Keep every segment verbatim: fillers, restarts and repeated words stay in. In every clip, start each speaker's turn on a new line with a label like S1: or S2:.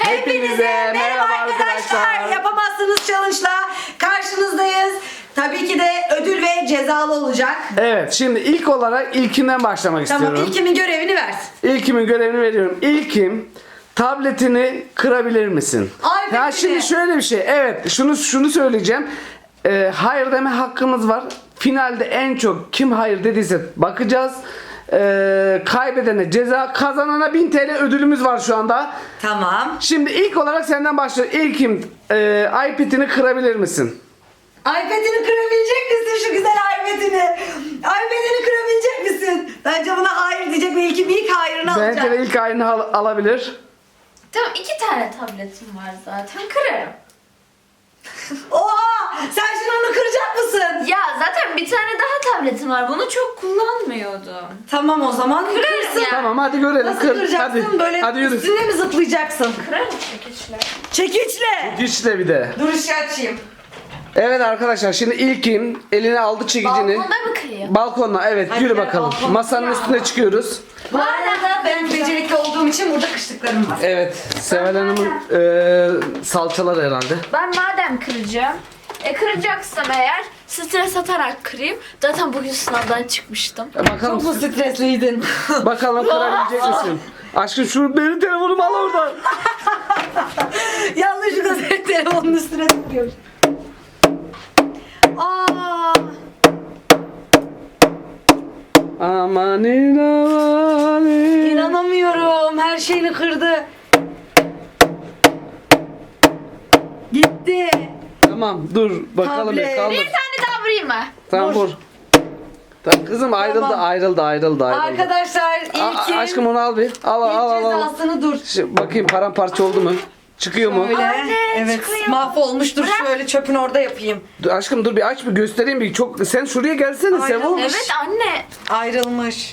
S1: Hepinize merhaba arkadaşlar. Yapamazsınız challenge'la karşınızdayız. Tabii ki de ödül ve cezalı olacak.
S2: Evet, şimdi ilk olarak ilkinden başlamak
S1: Tamam,
S2: istiyorum.
S1: ilkimin görevini ver.
S2: İlkimin görevini veriyorum. İlkim, tabletini kırabilir misin?
S1: Ay,
S2: ya
S1: peki.
S2: şimdi şöyle bir şey. Evet, şunu şunu söyleyeceğim. Ee, hayır deme hakkımız var. Finalde en çok kim hayır dediyse bakacağız. Ee, kaybedene ceza, kazanana bin T L ödülümüz var şu anda.
S1: Tamam.
S2: Şimdi ilk olarak senden başlıyor. İlkim, e, iPad'ini kırabilir misin?
S1: iPad'ini kırabilecek misin şu güzel iPad'ini? iPad'ini kırabilecek misin? Bence buna hayır diyecek ve ilkim ilk hayırını alacak.
S2: Bence de ilk ayını al- alabilir.
S3: Tamam, iki tane tabletim var zaten, kırarım.
S1: Oha! Sen şimdi onu kıracak mısın?
S3: Ya zaten bir tane daha tabletim var, bunu çok kullanmıyordum.
S1: Tamam o zaman
S3: Kırarım
S1: kırsın.
S3: ya.
S2: Tamam, hadi görelim.
S1: Nasıl
S2: Kır.
S1: kıracaksın?
S2: Hadi.
S1: Böyle
S2: Hadi yürü.
S1: üstüne mi zıplayacaksın?
S3: Kırarım çekiçle.
S1: Çekiçle.
S2: Güçle bir de.
S1: Dur ışığı açayım.
S2: Evet arkadaşlar, şimdi ilkim eline aldı çekicini.
S3: Balkonda mı kırayım?
S2: Balkonla, evet,
S1: Hadi
S2: yürü
S1: gel,
S2: bakalım.
S1: balkona.
S2: Masanın üstüne çıkıyoruz.
S1: Bu arada ben becerikli olduğum için burada kışlıklarım var.
S2: Evet, Seval Hanım'ın e, salçalar herhalde.
S3: Ben madem kıracağım, e kıracaksam eğer stres atarak kırayım. Zaten bugün sınavdan çıkmıştım.
S2: E, bakalım,
S1: Çok mu stresliydin?
S2: bakalım kırabilecek misin? Aşkım şu benim telefonumu al oradan.
S1: Yanlışlıkla senin telefonun üstüne tıklıyorum. Aa,
S2: Aman aman.
S1: inanamıyorum. Her şeyini kırdı. Gitti.
S2: Tamam, dur bakalım
S1: Tablet.
S2: bir kaldır.
S3: Bir tane daha vurayım mı?
S2: Tamam,
S1: Dur.
S2: vur. Tamam kızım, ayrıldı
S1: Tamam.
S2: ayrıldı ayrıldı ayrıldı.
S1: Arkadaşlar
S2: A-
S1: ilkin
S2: aşkım onu al bir. Al al
S1: ilk
S2: al al. al.
S1: cezasını dur.
S2: Şimdi bakayım paramparça oldu mu? Çıkıyor mu?
S1: Öyle.
S3: Anne,
S1: Evet.
S3: çıkıyor.
S1: Mahvolmuştur. Şöyle çöpün orada yapayım.
S2: Dur, aşkım dur bir aç bir göstereyim bir. Çok sen şuraya gelsene
S1: Ayrılmış.
S2: Sevo.
S3: Evet anne.
S1: Ayrılmış.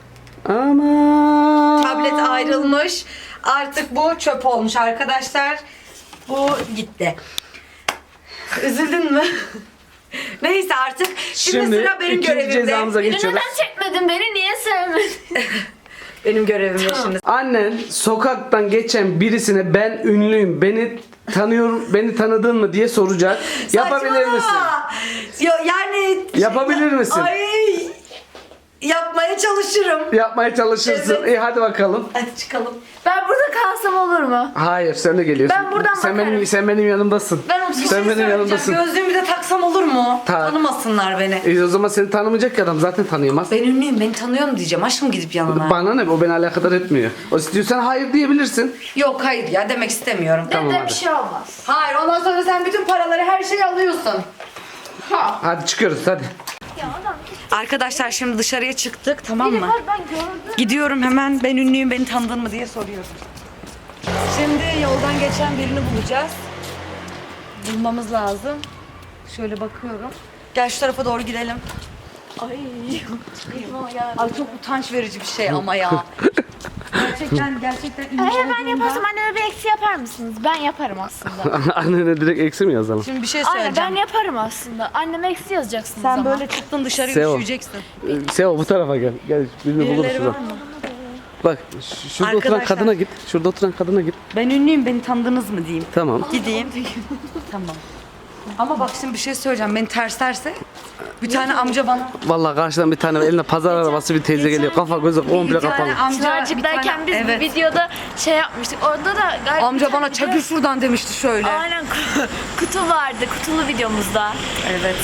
S2: Aman.
S1: Tablet ayrılmış. Artık bu çöp olmuş arkadaşlar. Bu gitti. Üzüldün mü? Neyse artık. Şimdi,
S2: Şimdi
S1: sıra benim
S2: ikinci
S1: görevimde.
S2: cezamıza
S3: Beni
S2: geçiyoruz.
S3: neden çekmedin? Beni niye sevmedin?
S1: Benim görevimde şimdi.
S2: Annen sokaktan geçen birisine ben ünlüyüm, beni tanıyorum, beni tanıdın mı diye soracak. Yapabilir
S1: Saçmalama.
S2: misin?
S1: Yo, yani
S2: Yapabilir misin?
S1: Ay, yapmaya çalışırım.
S2: Yapmaya çalışırsın.
S1: Evet.
S2: İyi hadi bakalım.
S1: Hadi çıkalım.
S3: Ben burada kalsam olur mu?
S2: Hayır, sen de geliyorsun.
S3: Ben buradan
S2: sen
S3: bakarım.
S2: benim sen benim yanımdasın.
S3: Ben oturayım.
S2: Sen benim
S1: Söyleyeceğim,
S2: yanımdasın.
S1: Gözlüğümü de taksam olur mu?
S2: Ta-
S1: Tanımasınlar beni.
S2: E, o zaman seni tanımayacak ki adam zaten tanıyamaz.
S1: Ben ünlüyüm, beni tanıyor mu diyeceğim. Aşkım gidip yanına.
S2: Bana ne, o beni alakadar etmiyor. O istiyorsan hayır diyebilirsin.
S1: Yok hayır ya, demek istemiyorum.
S2: Tamam,
S3: Dede
S2: hadi.
S3: bir şey olmaz.
S1: Hayır, ondan sonra sen bütün paraları, her şeyi alıyorsun.
S3: Ha.
S2: Hadi çıkıyoruz hadi.
S3: Ya adam
S1: Arkadaşlar şimdi dışarıya çıktık, tamam
S3: biri
S1: mı?
S3: var, ben gördüm.
S1: Gidiyorum hemen, ben ünlüyüm, beni tanıdın mı diye soruyorum. Şimdi yoldan geçen birini bulacağız. Bulmamız lazım. Şöyle bakıyorum. Gel şu tarafa doğru gidelim.
S3: Ay. ya.
S1: Ay çok utanç verici bir şey ama ya. Gerçekten gerçekten ünlü
S3: Eğer ben
S1: olduğumda-
S3: yaparsam anneme bir eksi yapar mısınız? Ben yaparım aslında.
S2: Annene direkt eksi mi yazalım?
S1: Şimdi bir şey
S3: Aynen,
S1: söyleyeceğim.
S3: ben yaparım aslında. Anneme eksi yazacaksınız
S1: Sen
S3: ama.
S1: böyle çıktın dışarı
S2: Sev.
S1: üşüyeceksin.
S2: Ee, Sevo bu tarafa gel. Gel birini buluruz
S1: Birileri var
S2: şurada.
S1: mı?
S2: Bak ş- şurada oturan
S1: Arkadaşlar.
S2: kadına git. Şurada oturan kadına git.
S1: Ben ünlüyüm, beni tanıdınız mı diyeyim.
S2: Tamam.
S1: Gideyim. Tamam. Ama bak şimdi bir şey söyleyeceğim. Beni terslerse bir tane amca bana
S2: Vallahi karşıdan bir tane elinde pazar arabası bir teyze geliyor. Kafa gözü komple
S1: bir
S2: kapalı.
S1: tane amca bir
S3: Çınarcık'tayken
S1: tane-
S3: biz
S1: evet.
S3: bir videoda şey yapmıştık. Orada da galiba
S1: Amca bana çakır şuradan demişti şöyle.
S3: Aynen ku- kutu vardı. Kutulu videomuzda.
S1: Evet.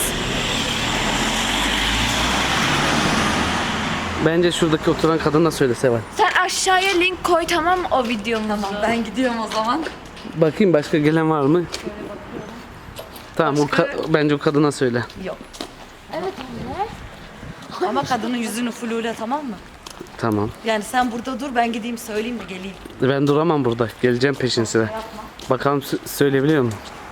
S2: Bence şuradaki oturan kadına söyle Seval.
S3: Sen aşağıya link koy, tamam mı, o videomuzu?
S1: Ben gidiyorum o zaman.
S2: Bakayım başka gelen var mı? Tamam o ka- bence o kadına söyle.
S1: Yok.
S3: Evet anne.
S1: Ama kadının yüzünü flule, tamam mı?
S2: Tamam.
S1: Yani sen burada dur, ben gideyim söyleyeyim de geleyim.
S2: Ben duramam burada. Geleceğim peşin sıra. Bakalım sö- söyleyebiliyor mu?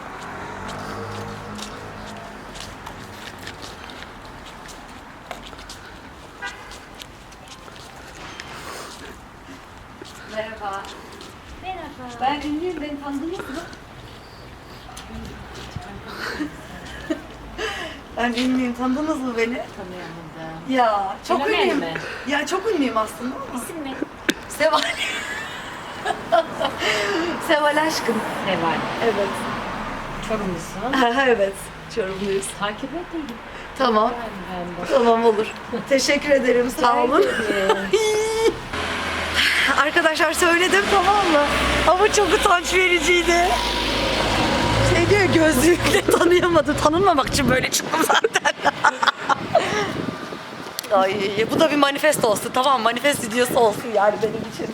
S1: Merhaba.
S3: Merhaba.
S1: Ben ünlüyüm, beni tanıdınız mı? Ben ünlüyüm, tanıdınız mı beni?
S3: Tanıyamadım.
S1: Ya çok
S3: Fenomen
S1: ünlüyüm.
S3: mi?
S1: Ya çok ünlüyüm aslında ama.
S3: İsim ne?
S1: Seval. Seval aşkım.
S4: Seval.
S1: Evet.
S4: Çorumlusun.
S1: Evet. Çorumluyuz.
S4: Takip edeyim.
S1: Tamam.
S4: Ben de.
S1: Tamam olur. Teşekkür ederim. Sağ olun.
S4: Ee,
S1: Arkadaşlar söyledim tamam mı? Ama çok utanç vericiydi. Şey diyor gözlükle tanıyamadı. Tanınmamak için böyle çıktım zaten. Ay bu da bir manifest olsun tamam manifest videosu olsun yani benim için.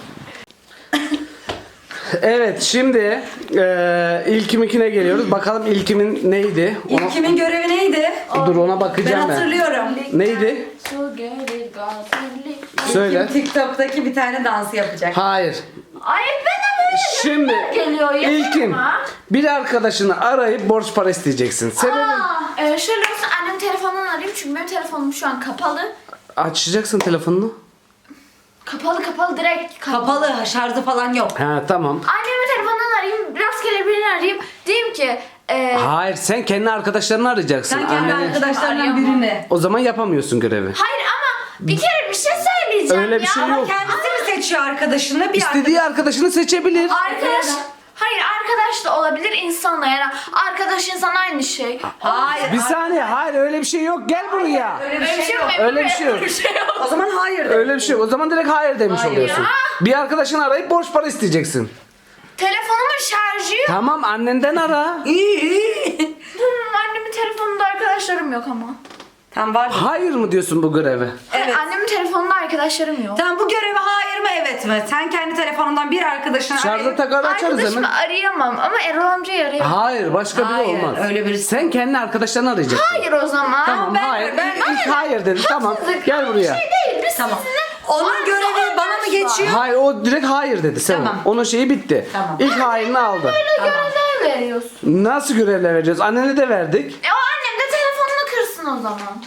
S2: Evet şimdi e, ilkimikine geliyoruz. Bakalım ilkimin neydi? Ona-
S1: İlkimin görevi neydi?
S2: Dur ona
S1: Ben
S2: bakacağım ben.
S1: hatırlıyorum.
S2: Neydi?
S3: Su gelir gazeli.
S2: Söyle.
S1: Kim TikTok'taki bir tane dansı yapacak.
S2: Hayır.
S3: Ay bana böyle
S2: Şimdi
S3: geliyor. Yeter
S2: ilkin
S3: ama.
S2: bir arkadaşını arayıp borç para isteyeceksin. Sebebi
S3: Aa, e, şöyle olsun annem telefonundan arayayım çünkü benim telefonum şu an kapalı.
S2: açacaksın telefonunu.
S3: Kapalı kapalı direkt kapalı.
S1: Kapalı şarjı falan yok.
S2: Ha tamam.
S3: Annemin telefonundan arayayım, rastgele birini arayayım. Diyeyim ki e,
S2: Hayır sen kendi arkadaşlarını arayacaksın.
S1: Sen kendi
S2: Anneni-
S1: arkadaşlarından
S3: Arayamam.
S1: birini.
S2: O zaman yapamıyorsun görevi.
S3: hayır ama bir kere bir şey söyleyeceğim
S2: Öyle bir
S3: ya.
S2: şey
S3: Ama
S2: yok.
S1: Kendisi mi seçiyor arkadaşını? Bir
S2: İstediği arkadaşını seçebilir.
S3: Arkadaş, hayır arkadaş da olabilir insanla yani arkadaş insan aynı şey.
S1: Hayır.
S2: Bir saniye hayır öyle bir şey yok. Gel buraya.
S1: Öyle bir
S3: Öyle bir
S1: şey
S3: şey
S1: yok.
S3: yok.
S2: Öyle bir şey yok.
S3: Bir şey yok.
S1: O zaman hayır. de.
S2: Öyle bir şey yok. O zaman direkt hayır demiş
S1: Hayır.
S2: oluyorsun. Bir arkadaşını arayıp borç para isteyeceksin.
S3: Telefonumun şarjı yok.
S2: Tamam annenden ara.
S1: İyi iyi.
S3: Hmm, annemin telefonunda arkadaşlarım yok ama.
S1: Tamam var.
S2: Hayır mı diyorsun bu göreve?
S1: Evet.
S3: Annemin telefonunda arkadaşlarım yok.
S1: Tamam bu göreve hayır mı evet mi? Sen kendi telefonundan bir arkadaşını
S2: Şarjı
S1: arayıp-
S2: takar açarız
S3: Arkadaşımı
S2: hemen.
S3: arayamam ama Erol amcayı arayamam.
S2: Hayır başka biri
S1: Hayır,
S2: olmaz.
S1: öyle birisi-
S2: Sen kendi arkadaşlarını arayacaksın.
S3: Hayır o zaman.
S2: Tamam
S1: ben-
S2: hayır.
S1: ben-
S2: İlk- ilk hayır dedi. Tamam.
S3: Haksızlık
S2: Gel
S3: ama
S2: buraya.
S3: Bir şey değil. Biz
S1: Tamam.
S3: sizinle
S1: Onun
S3: varsa
S1: görevi bana mı
S3: olmaz
S1: geçiyor?
S2: Hayır o direkt hayır dedi. Sen
S1: Tamam.
S2: onun şeyi bitti.
S1: Tamam.
S2: İlk hayırını aldı.
S3: Böyle görevler veriyorsun.
S2: Nasıl görevler vereceğiz? Annene de verdik.
S3: E o annem de telefonunu kırsın o zaman.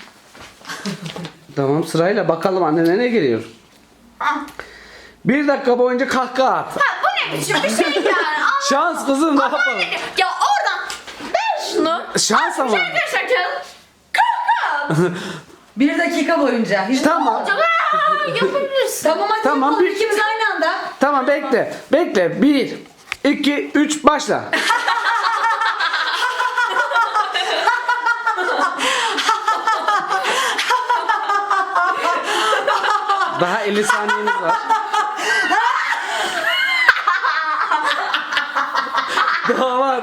S2: Tamam sırayla bakalım annene ne geliyor.
S3: Ah.
S2: Bir dakika boyunca kahkaha at.
S3: Ha, bu ne biçim bir şey yani? Allah
S2: Şans kızım ne yapalım?
S3: Ya oradan ver şunu.
S2: Şans ama.
S3: Şaka şaka. Kalk
S1: Bir dakika boyunca. Hiç...
S2: Tamam.
S3: kalk. Yapabilirsin.
S1: Tamam hadi
S2: Tamam,
S1: yapalım.
S2: bir-
S1: İkimiz aynı anda.
S2: Tamam bekle. Bekle. Bir, iki, üç başla. Daha elli saniyeniz var. Daha var.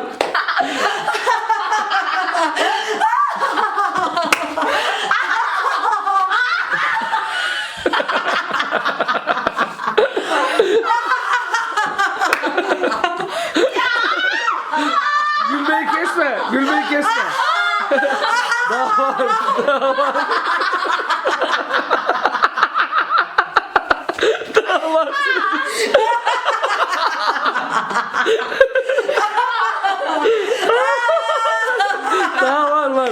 S2: Gülmeyi kesme. Gülmeyi kesme. Daha var. Daha var. Daha var. Daha var var.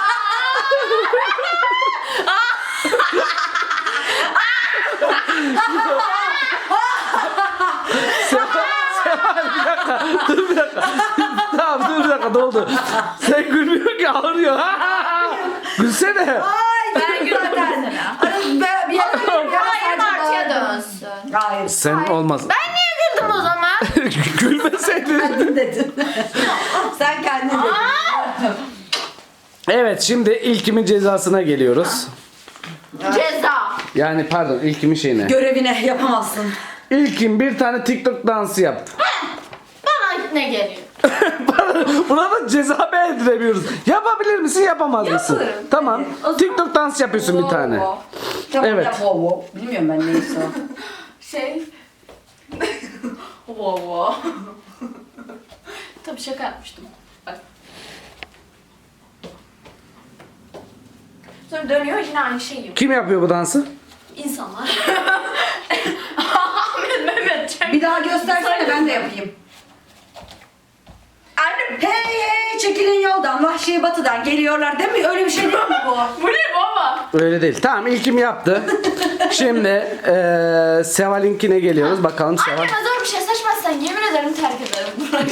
S2: Seval, Seval bir dakika. Dur bir dakika. Tamam dur bir dakika doldu. Sen gülmüyorsun ki ağrıyor. Gülsene.
S1: Ay
S3: Ben gülüyorum mesela.
S1: Ben bir yere gidiyorum ya,
S3: Hayır
S1: sadece
S3: Martı'ya
S1: bağırdım.
S3: dönsün.
S1: Hayır.
S2: Sen olmaz.
S3: Ben niye güldüm o zaman?
S2: Gülmeseydin.
S1: Kendin dedin. Sen kendin dedin.
S2: Evet şimdi ilkimin cezasına geliyoruz.
S3: Ceza.
S2: Yani pardon ilkimin şeyine.
S1: Görevine yapamazsın.
S2: İlkin bir tane TikTok dansı yap.
S3: Bana ne geliyor?
S2: Buna da ceza beğendiremiyoruz. Yapabilir misin yapamaz mısın?
S1: Yaparım.
S2: Tamam.
S1: Hadi. O zaman-
S2: TikTok dans yapıyorsun bir tane.
S1: Tamam,
S2: Evet.
S1: yap, wow, wow. Bilmiyorum ben neyse o.
S3: Şey. wow wow. Tabii şaka yapmıştım. Bak. Sonra dönüyor yine aynı şeyi yapıyor.
S2: Kim yapıyor bu dansı?
S3: İnsanlar. Ahmet Mehmet Çek.
S1: Bir daha göstersene ben de yapayım.
S3: Annem.
S1: Hey hey çekilin yoldan vahşi batıdan geliyorlar değil mi? Öyle bir şey değil mi bu?
S3: Bu ne baba?
S2: Öyle değil. Tamam ilkim yaptı. Şimdi eee Seval'inkine geliyoruz. Bakalım Seval.
S3: Anneme zor bir şey seçmezsen yemin ederim terk ederim burayı.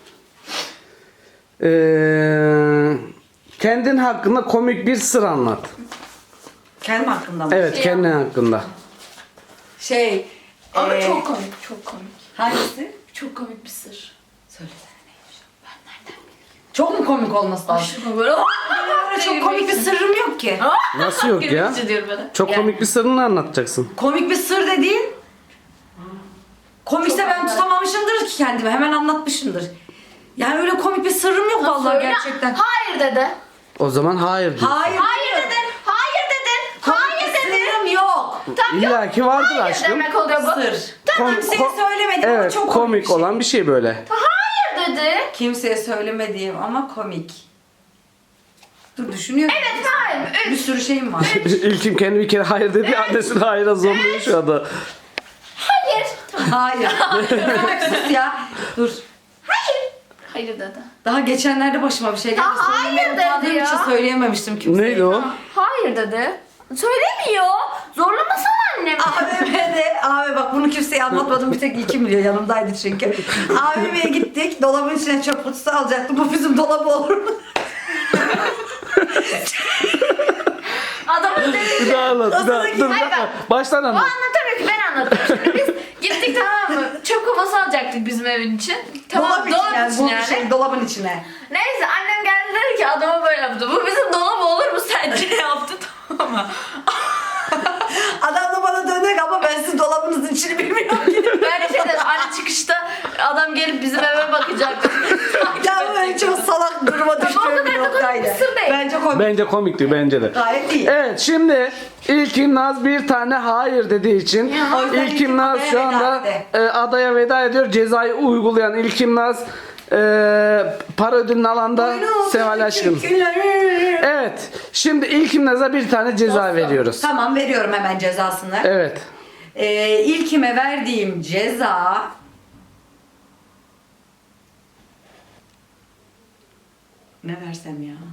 S2: Eee kendin hakkında komik bir sır anlat.
S1: Kendim hakkında mı?
S2: Evet
S3: Şey
S2: kendin hakkında.
S1: Şey.
S3: Ama
S1: ee,
S3: çok komik, çok komik.
S1: Hangisi?
S3: Çok komik bir sır.
S1: Söylesene neymiş? Ben nereden bileyim? Çok mu komik olması lazım?
S3: Aşkım böyle.
S1: Benim çok komik bir sırrım yok ki.
S2: Nasıl yok ya?
S3: Gülünce diyorum bana.
S2: Çok komik bir sırrını anlatacaksın.
S1: Komik bir sır dediğin komikse ben tutamamışımdır ki kendimi. Hemen anlatmışımdır. Yani öyle komik bir sırrım yok vallahi
S3: Söyle.
S1: gerçekten.
S3: Hayır dedi.
S2: O zaman hayır diyor.
S1: Hayır.
S3: Hayır dedin. Hayır dedin.
S1: Komik
S3: Hayır
S1: bir
S3: dedin.
S1: sırrım yok.
S3: Tamam yok.
S2: İlla ki vardır
S3: Hayır
S2: aşkım.
S3: demek oluyor bu.
S1: Sır.
S2: Kom-
S1: Kimseye
S2: ko-
S1: söylemedim ama
S2: Evet,
S1: çok komik,
S2: komik
S1: bir şey.
S2: olan bir şey böyle.
S3: Hayır dedi.
S1: Kimseye söylemediğim ama komik. Dur düşünüyorum.
S3: Evet hayır.
S1: Bir
S3: Üç.
S1: sürü şeyim var.
S2: İlkim kendi bir kere hayır dedi. Annesini hayıra zorluyor şu anda.
S3: Hayır.
S1: Hayır. Bırak sus ya. Dur.
S3: Hayır. Hayır dedi.
S1: Daha geçenlerde başıma bir şey geldi.
S3: Ya hayır
S1: Söylemeye
S3: dedi
S1: utandığım
S3: ya.
S1: için söyleyememiştim kimseye.
S2: Neydi o?
S3: Hayır dedi. Söylemiyor. Zorlamasana annemi.
S1: A V M'de, abi bak bunu kimseye anlatmadım, bir tek İlkim biliyor, yanımdaydı çünkü. A V M'ye gittik, dolabın içine çöp kutusu alacaktım, bu bizim dolabı olur mu?
S3: Adamın
S2: Bir
S3: dedi.
S2: daha anlat. Bir daha. Dur,
S3: Hayır,
S2: bir dakika.
S3: bak.
S2: Baştan
S3: O
S2: anlat.
S3: anlatamıyor ki ben anlatıyorum. Şimdi biz gittik tamam mı? Çöp kovası alacaktık bizim evin için. Tamam
S1: dolap için
S3: dolap
S1: yani,
S3: için
S1: bu
S3: yani.
S1: şey, dolabın içine.
S3: Neyse annem geldi dedi ki adama böyle yaptı. Bu bizim dolap olur mu sence yaptı tamam mı?
S1: Adam da bana dönek ama ben sizin dolabınızın içini bilmiyorum ki.
S3: Ben de şey dedim anne çıkışta adam gelip bizim eve bakacaktı.
S1: Ya ben çok salak duruma
S3: o kadar
S1: düştüğüm
S3: da
S1: bir
S3: komik
S1: noktaydı.
S3: bir sır değil.
S1: Bence komik.
S2: Bence komikti bence de.
S1: Gayet iyi.
S2: Evet şimdi İlkim Naz bir tane hayır dediği için
S1: O yüzden
S2: İlkim
S1: İlkim
S2: Naz
S1: adaya
S2: şu
S1: veda
S2: anda
S1: etti.
S2: e, adaya veda ediyor. Cezayı uygulayan İlkim Naz e, para ödülünü alanda Seval aşkım. Evet şimdi İlkim Naz'a bir tane ceza veriyoruz.
S1: Tamam, veriyorum hemen cezasını.
S2: Evet.
S1: Ee, ilkime verdiğim ceza ne versem ya?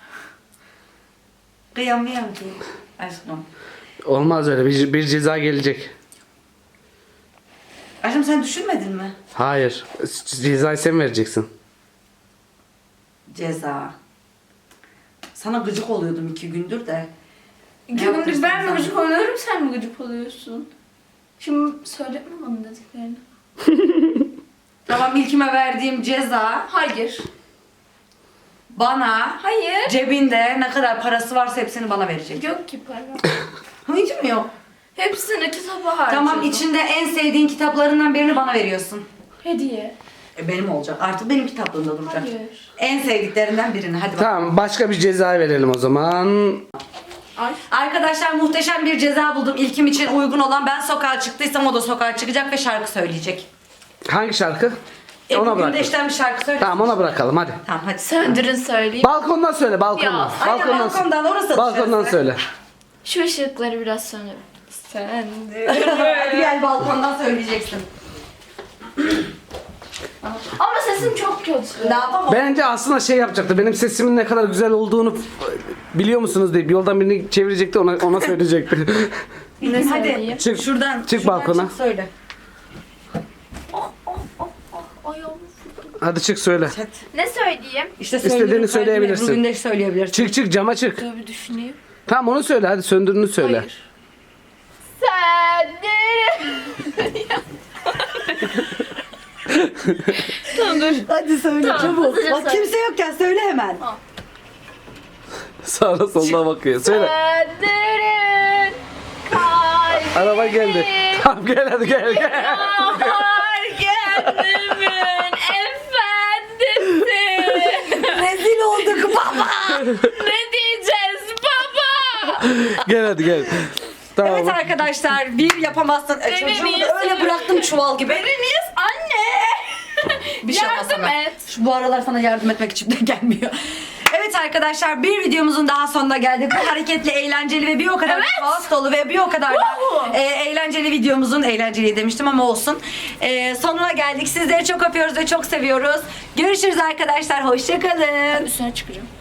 S1: Kıyamıyorum ki aşkım.
S2: Olmaz öyle bir, bir ceza gelecek.
S1: Aşkım sen düşünmedin mi?
S2: Hayır. Cezayı sen vereceksin.
S1: Ceza. Sana gıcık oluyordum iki gündür de.
S3: İki
S1: yaptın
S3: gündür ben
S1: sen?
S3: mi gıcık oluyorum sen mi gıcık oluyorsun? Şimdi söyletme bana dediklerini.
S1: Tamam, ilkime verdiğim ceza
S3: Hayır.
S1: bana
S3: Hayır.
S1: cebinde ne kadar parası varsa hepsini bana verecek.
S3: Yok ki para.
S1: Hiç mi yok?
S3: Hepsini kitaba harcadım.
S1: Tamam, içinde en sevdiğin kitaplarından birini bana veriyorsun.
S3: Hediye.
S1: E, benim olacak. Artık benim kitaplığımda duracak.
S3: Hayır.
S1: En sevdiklerinden birini. Hadi bak.
S2: Tamam başka bir ceza verelim o zaman.
S3: Ay.
S1: Arkadaşlar muhteşem bir ceza buldum. İlkim için uygun olan, ben sokağa çıktıysam o da sokağa çıkacak ve şarkı söyleyecek.
S2: Hangi şarkı?
S1: E,
S2: Ona
S1: bugün de
S2: bırakalım.
S1: işten bir şarkı söyle.
S2: Tamam ona bırakalım hadi.
S1: Tamam hadi.
S3: Söndürün söyleyeyim.
S2: Balkondan söyle balkondan.
S3: Ya,
S1: aynen,
S2: balkondan,
S1: balkondan, orası
S2: balkondan
S1: dışarısı.
S2: söyle.
S3: Şu ışıkları biraz söndür. Söndür.
S1: Hadi gel, balkondan söyleyeceksin.
S3: Ama sesim çok kötü.
S1: Ne yapamam?
S2: Bence aslında şey yapacaktı. Benim sesimin ne kadar güzel olduğunu biliyor musunuz deyip yoldan birini çevirecekti ona ona söyleyecekti.
S3: Ne
S1: Hadi
S3: söyleyeyim?
S2: Çık,
S1: şuradan.
S2: çık
S1: şuradan
S2: balkona.
S1: Çık söyle.
S3: Ayağım.
S2: Hadi çık söyle.
S1: Hadi.
S3: Ne söyleyeyim?
S1: İşte
S2: İstediğini
S1: söylüyorum,
S2: söyleyebilirsin.
S1: Bugün de söyleyebilirsin.
S2: Çık çık cama çık.
S3: Dur bir düşüneyim.
S2: Tamam onu söyle hadi söndürünü söyle.
S3: Hayır. Söndür. Tamam dur.
S1: Hadi söyle
S3: Tamam,
S1: çabuk.
S3: hızlıca
S1: Bak
S3: söyle.
S1: kimse yokken söyle hemen.
S2: Sağına soluna bakıyor. Söyle.
S3: Söndürün. Kalbimi.
S2: Araba geldi. Tamam gel hadi gel gel.
S3: Yağar gönlümün efendisi.
S1: Rezil olduk baba.
S3: Ne diyeceğiz baba?
S2: Gel hadi gel. Tamam.
S1: Evet arkadaşlar, bir yapamazsın. E,
S3: Beni
S1: çocuğumu
S3: niye
S1: da öyle
S3: seviyorsun?
S1: bıraktım çuval gibi.
S3: Beni niye anne?
S1: Bir şey olmaz
S3: Yardım
S1: sana.
S3: et.
S1: Şu, bu aralar sana yardım etmek içimden gelmiyor. Evet arkadaşlar, bir videomuzun daha sonuna geldik. Bu hareketli, eğlenceli ve bir o kadar
S3: Evet.
S1: kaos dolu ve bir o kadar da
S3: Woohoo.
S1: e, eğlenceli videomuzun, eğlenceli demiştim ama olsun. E, sonuna geldik. Sizleri çok öpüyoruz ve çok seviyoruz. Görüşürüz arkadaşlar. Hoşçakalın.
S3: Üstüne çıkacağım.